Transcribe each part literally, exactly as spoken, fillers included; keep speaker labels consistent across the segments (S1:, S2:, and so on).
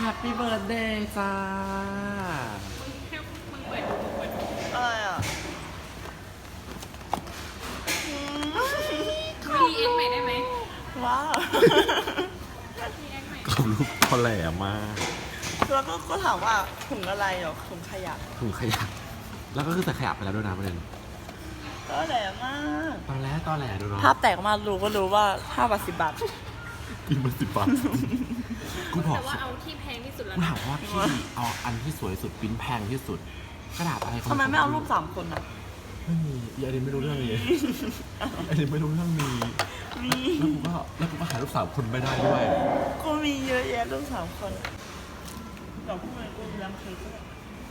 S1: Happy Birthday จ้า
S2: อะไรอ่ะ
S3: รีเอ็กใหม่ได้ไหม
S2: ว้าว
S3: รีเอ็กใหม่
S1: กรอบรูปเขาแหลมมาก
S2: แล้วก็ก็ถามว่าถุงอะไรหรอถุงขยะ
S1: ถุงขยะแล้วก็คือใส่ขยะไปแล้วด้วยนะประเด็น
S2: ก็แหลมมาก
S1: ตอนแรกตอนแหลดูเนาะ
S2: ภาพแตกมารู้ก็รู้ว่าห้าบาทสิบบาท
S1: กินมาสิบบาทกูบอก
S3: แต่ว่าเอาที่แพงที่สุดแล้ว
S1: กู
S3: นะ
S1: ถามว่าพี่เอาอันที่สวยสุดปริ้นแพงที่สุดกระดาษอะไร
S2: ทำไมไม่เอารูปสามคนอ่ะ
S1: ไม่มีอีอันนี้ไม่รู้เรื่องนี้อันนี้ไม่รู้เรื่องนี้
S2: มี
S1: แล้วกูก็แล้วกูก็หารูปสาวคนไม่ได้ด้วย
S2: กูมีเยอะแยะรูปสามคนเดี๋ยวพวกมันกูเลี้ยงเค้กก็ได้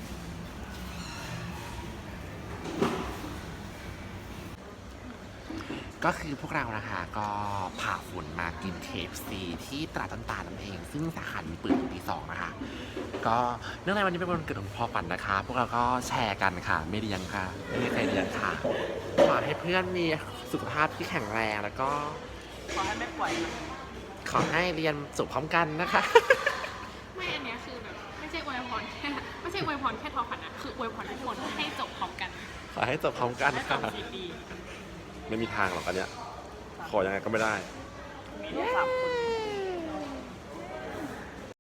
S1: ก็คือพวกเรานะคะก็ผ่าฝุ่นมากิน เค เอฟ ซี ที่ตลาดต้นตาลนั่นเองซึ่งสาขานี้เปิดปีสองนะคะก็เนื่องในวันนี้เป็นวันเกิดของพ่อฝันนะคะ พวกเราก็แชร์กันค่ะไม่เลี้ยงค่ะไม่มีใครเลี้ยงค่ะขอให้เพื่อนมีสุขภาพที่แข็งแรงแล้วก็
S2: ขอให้ไม่ปล่อยนะ
S1: ขอให้เรียนจบพร้อมกันนะคะ
S3: ไม่อันเนี้ยคือแบบไม่ใช่อวยพรแค่ไม่ใช่อวยพรแค่ทอฝันนะคืออวยพรทุกคนให้จบพร้อมกัน
S1: ขอให้จบพร้อมกัน
S3: และจ
S1: ค่ะ
S3: บดี
S1: ไม่มีทางหรอกอันเนี้ยขอยังไงก็ไม่ได้
S2: มีรูปสามคน